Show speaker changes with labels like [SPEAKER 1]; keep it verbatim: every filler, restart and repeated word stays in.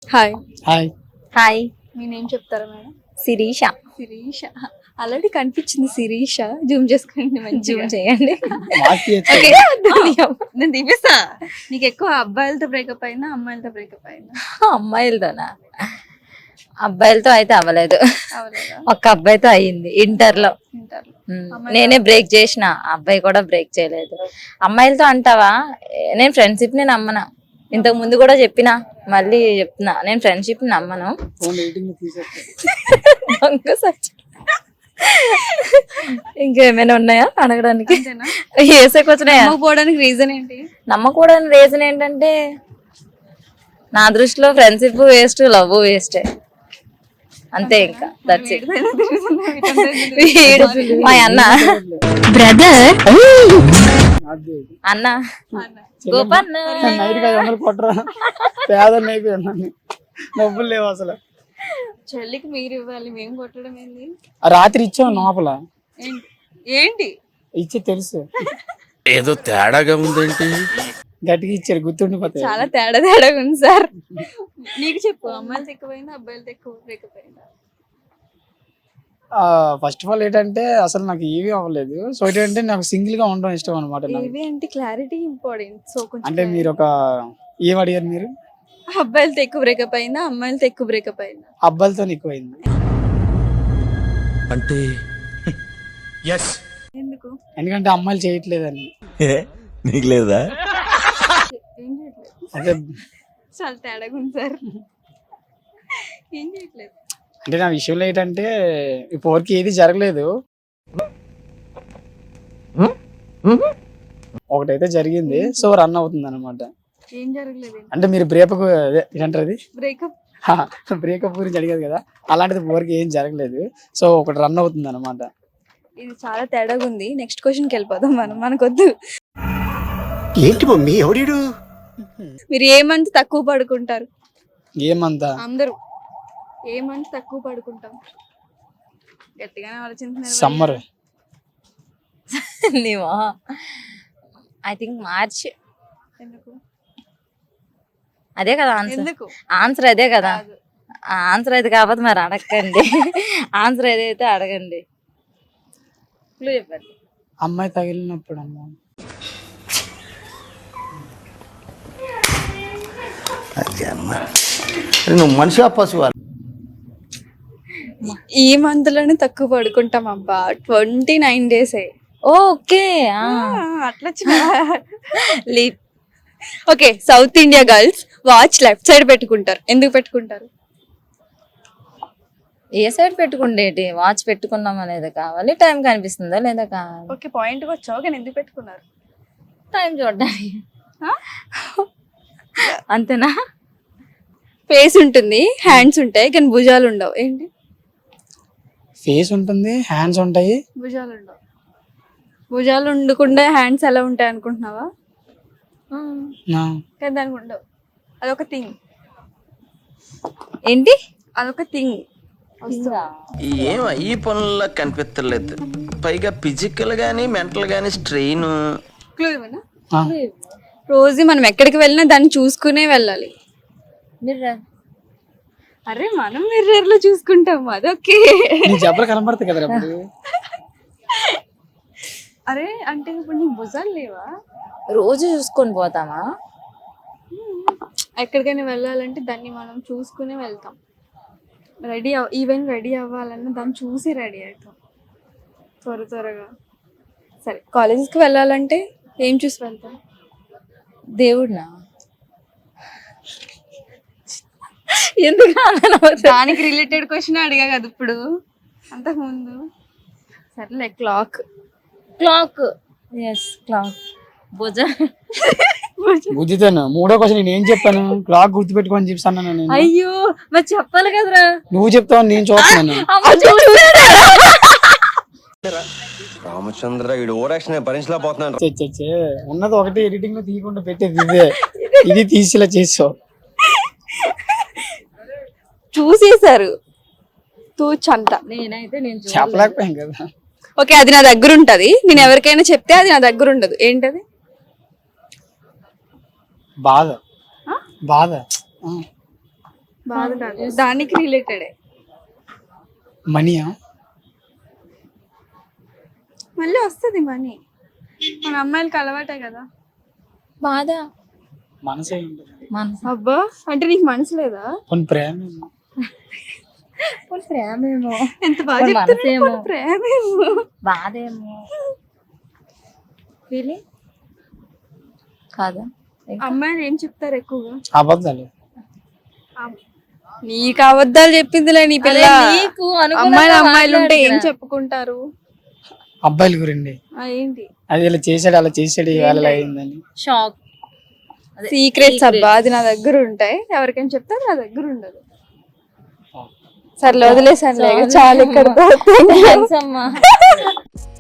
[SPEAKER 1] Hi.
[SPEAKER 2] Hi.
[SPEAKER 3] Hi,
[SPEAKER 1] మీ name చెప్తారా madam?
[SPEAKER 3] Sirisha.
[SPEAKER 1] Sirisha. Already కనిపించింది శిరీష. జూమ్ చేసుకోండి, మంచి
[SPEAKER 3] జూమ్ చేయండి.
[SPEAKER 1] ఓకే, నేను తీపిస్తా. నీకు ఎక్కువ అబ్బాయిలతో బ్రేకప్ అయినా అమ్మాయిలతో బ్రేకప్ అయినా?
[SPEAKER 3] అమ్మాయిలతోనా? అబ్బాయిలతో అయితే అవ్వలేదు,
[SPEAKER 1] అవలేదా?
[SPEAKER 3] ఒక్క అబ్బాయితో అయ్యింది ఇంటర్ లో.
[SPEAKER 1] ఇంటర్లో.
[SPEAKER 3] ఉమ్, నేనే బ్రేక్ చేసిన, అబ్బాయి కూడా బ్రేక్ చేయలేదు. అమ్మాయిలతో అంటావా? నేను ఫ్రెండ్షిప్ ని నమ్మను. ఇంతకు ముందు కూడా చెప్పిన, మళ్ళీ చెప్తున్నా, నేను ఫ్రెండ్షిప్ ని నమ్మను. దొంగ సచ్చి. ఇంకేమైనా ఉన్నాయా అడగడానికి?
[SPEAKER 1] అంతేనా?
[SPEAKER 3] ఏసేకి వచ్చినాయా?
[SPEAKER 1] పోవడానికి రీజన్ ఏంటి?
[SPEAKER 3] నమ్మకూడని రీజన్ ఏంటంటే, నా దృష్టిలో ఫ్రెండ్షిప్ వేస్ట్, లవ్ వేస్టే, అంతే. ఇంకా దట్స్ ఇట్. వీడు మా అన్న బ్రదర్ అన్న గోపన్న
[SPEAKER 2] డబ్బులు లేవు అసలు.
[SPEAKER 1] చెల్లికి మీరు ఇవ్వాలి, మేము కొట్టడం ఏంది?
[SPEAKER 2] రాత్రి ఇచ్చావు లోపల.
[SPEAKER 1] ఏంటి ఏంటి
[SPEAKER 2] ఇచ్చి తెలుసు,
[SPEAKER 4] ఏదో తేడాగా ఉందేంటి.
[SPEAKER 2] గట్టిగా ఇచ్చారు, గుర్తుండిపోతాయి.
[SPEAKER 1] చాలా తేడా తేడాగా ఉంది సార్. నీకు చెప్పు, అమ్మాయిలతో ఎక్కువైందా అబ్బాయిలతో ఎక్కువ బ్రేకప్ అయిందా?
[SPEAKER 2] ఫస్ట్ ఆఫ్ ఆల్ ఏంటంటే అసలు నాకు ఏవి అవ్వలేదు. సో ఏంటంటే నాకు సింగిల్ గా ఉండడం ఇష్టం అనమాట.
[SPEAKER 1] ఏవి అంటే క్లారిటీ ఇంపార్టెంట్. సో కొంచెం
[SPEAKER 2] అంటే మీరు ఒక ఏం అడిగారు మీరు?
[SPEAKER 1] అబ్బాయిలతో ఎక్కువ బ్రేకప్ అయిందా అమ్మాయిలతో ఎక్కువ బ్రేకప్ అయిందా?
[SPEAKER 2] అబ్బాయిలతో ఎక్కువ అయింది.
[SPEAKER 4] అంటే ఎస్,
[SPEAKER 1] ఎందుకు?
[SPEAKER 2] ఎందుకంటే అమ్మాయిలు చేయట్లేదని.
[SPEAKER 4] నీకు లేదా?
[SPEAKER 1] ఏం చేయట్లేదు.
[SPEAKER 2] అంటే
[SPEAKER 1] చాలా తేడాగా ఉంది సార్. ఏం చేయట్లేదు
[SPEAKER 2] అంటే నా విషయంలో ఏంటంటే ఇప్పటివరకు ఏది జరగలేదు. ఒకటైతే జరిగింది, సో రన్ అవుతుంది అనమాట.
[SPEAKER 1] ఏం జరగలేదు
[SPEAKER 2] అంటే మీరు బ్రేకప్ ఏంటంటారు అది,
[SPEAKER 1] బ్రేకప్
[SPEAKER 2] బ్రేకప్ గురించి అడిగారు కదా, అలాంటిది ఇప్పటివరకు ఏం జరగలేదు. సో ఒకటి రన్ అవుతుంది అనమాట.
[SPEAKER 1] ఇది చాలా తేడాగా ఉంది. నెక్స్ట్ క్వశ్చన్కి వెళ్ళిపోదాం మనం, మనకొద్దు.
[SPEAKER 4] ఏంటి మమ్మీ ఎవడీడు?
[SPEAKER 1] మీరు ఏ మంత్ తక్కువ పడుకుంటారు?
[SPEAKER 2] ఏమంతా
[SPEAKER 1] అందరూ ఏ మంత్ తక్కువ పడుకుంటాం? గట్టిగానే ఆలోచించుతున్నారు.
[SPEAKER 2] సమ్మర్.
[SPEAKER 3] నీవా? I think March.
[SPEAKER 1] ఎందుకు?
[SPEAKER 3] అదే కదా ఆన్సర్.
[SPEAKER 1] ఎందుకు?
[SPEAKER 3] ఆన్సర్ అదే కదా.
[SPEAKER 1] కాదు.
[SPEAKER 3] ఆన్సర్ అయితే కాకపోతే మరి అడగండి. ఆన్సర్ ఏదైతే అడగండి. క్లూ చెప్పండి.
[SPEAKER 2] అమ్మాయి తగిలినప్పుడు అమ్మ.
[SPEAKER 4] నువ్వు మనిషి పశువు.
[SPEAKER 1] ఈ మంత్ లోనే తక్కువ పడుకుంటాం అబ్బా. ట్వంటీ నైన్ డేస్
[SPEAKER 3] ఓకే,
[SPEAKER 1] అట్లా leap. Okay, south India girls watch left side పెట్టుకుంటారు. ఎందుకు పెట్టుకుంటారు?
[SPEAKER 3] ఏ సైడ్ పెట్టుకుండేటి? వాచ్ పెట్టుకున్నాం అనేది కావాలి, టైం కనిపిస్తుందా లేదా కావాలి.
[SPEAKER 1] ఓకే, పాయింట్ వచ్చావు కానీ ఎందుకు పెట్టుకున్నారు?
[SPEAKER 3] టైం చూడడానికి. అంతేనా?
[SPEAKER 1] ఫేస్ ఉంటుంది, హ్యాండ్స్ ఉంటాయి కానీ భుజాలు ఉండవు. ఏంటి?
[SPEAKER 2] ఫేస్ ఉంటుంది, హ్యాండ్స్ ఉంటాయి,
[SPEAKER 1] భుజాలు ఉండవు. భుజాలు ఉండకుండా హ్యాండ్స్ ఎలా ఉంటాయి అనుకుంటున్నావా? కానీ దానికి ఉండవు. అదొక థింగ్.
[SPEAKER 3] ఏంటి?
[SPEAKER 1] అదొక థింగ్.
[SPEAKER 5] ఏం ఈ పనుల్లో కనిపించలేదు. పైగా ఫిజికల్ గానీ మెంటల్ గానీ స్ట్రెయిన్.
[SPEAKER 1] క్లూ ఇవ్వనా? రోజు మనం ఎక్కడికి వెళ్ళినా దాన్ని చూసుకునే వెళ్ళాలి.
[SPEAKER 3] మిర్రర్.
[SPEAKER 1] అరే మనం మిర్రర్ లో చూసుకుంటాం, అదొకే.
[SPEAKER 2] నీ జబ్బలు కనబడతాయి కదా అప్పుడు.
[SPEAKER 1] అరే అంటే ఇప్పుడు నీకు భుజాలు లేవా?
[SPEAKER 3] రోజు చూసుకొని పోతామా?
[SPEAKER 1] ఎక్కడికైనా వెళ్ళాలంటే దాన్ని మనం చూసుకునే వెళ్తాం. రెడీ ఈవెన్ రెడీ అవ్వాలన్నా దాన్ని చూసి రెడీ అవుతాం త్వర త్వరగా. సరే, కాలేజెస్కి వెళ్ళాలంటే ఏం చూసి వెళ్తాం?
[SPEAKER 3] దేవుడినా? ఎందుకు
[SPEAKER 1] దానికి రిలేటెడ్ క్వశ్చన్ అడిగా కదా ఇప్పుడు, అంతకు ముందు. సరేలే, క్లాక్.
[SPEAKER 3] క్లాక్. Yes, clock. భుజ
[SPEAKER 2] బుద్ధితోను. మూడో క్వశ్చన్ నేను ఏం చెప్పాను? క్లాక్ గుర్తు పెట్టుకోని చెప్తాను నేను.
[SPEAKER 3] అయ్యో, మరి చెప్పాలి కదరా.
[SPEAKER 2] నువ్వు చెప్తావు, నేను చూస్తాను.
[SPEAKER 5] రామచంద్ర వీడు ఓవరాక్షన్ భరించలేకపోతున్నాను.
[SPEAKER 2] ఉన్నది ఒకటి, ఎడిటింగ్ లో తీయకుండా పెట్టేది ఇదే. ఇది తీసేలా చేసావు.
[SPEAKER 1] చూసేసారు తూచంతా.
[SPEAKER 3] నేనైతే నేను
[SPEAKER 2] చెప్పలేకపోయాం కదా.
[SPEAKER 1] ఓకే, అది నా దగ్గర ఉంటది. నేను ఎవరికైనా చెప్తే అది నా దగ్గర ఉండదు. ఏంటది?
[SPEAKER 2] బాధ. బాధ.
[SPEAKER 1] బాధ కాదు, దానికి రిలేటెడే.
[SPEAKER 2] మనీయా?
[SPEAKER 1] మళ్ళీ వస్తుంది మనీ, మన అమ్మాయిలకి అలవాటే కదా.
[SPEAKER 3] బాధ
[SPEAKER 2] మనసే ఉంటుంది.
[SPEAKER 3] మనసు
[SPEAKER 1] అబ్బా, అంటే నీకు మనసు లేదా?
[SPEAKER 2] కొన్ని ప్రేమ
[SPEAKER 3] ప్రేమేమో,
[SPEAKER 1] ఎంత బాగా
[SPEAKER 3] మన
[SPEAKER 1] చెప్తున్నావు,
[SPEAKER 3] మనసేమో.
[SPEAKER 1] మన ప్రేమేమో.
[SPEAKER 3] బాధేమో, ఫీలింగ్ కాదా?
[SPEAKER 1] అమ్మాయిలు ఏం చెప్తారు ఎక్కువగా?
[SPEAKER 2] అబద్ధాలు.
[SPEAKER 1] నీకు అబద్ధాలు చెప్పిందిలే నీ పిల్ల.
[SPEAKER 3] నీకు అనుగుణంగా
[SPEAKER 1] అమ్మాయిలు అమ్మాయిలు ఉంటే ఏం
[SPEAKER 3] మాట్లాడుతున్నా.
[SPEAKER 1] చెప్పుకుంటారు?
[SPEAKER 2] అబ్బాయిల గురండి,
[SPEAKER 1] ఆ, ఏంటి
[SPEAKER 2] అది ఇలా చేసాడు అలా చేసాడు ఇవాళ ఇలా అయిందని.
[SPEAKER 3] షాక్.
[SPEAKER 1] సీక్రెట్స్ అబ్బా, అది నా దగ్గర ఉంటాయి, ఎవరికైనా చెప్తే నా దగ్గర ఉండదు. సర్లే వదిలేసాను, చాలా ఇక్కడ
[SPEAKER 3] థాంక్స్ అమ్మా.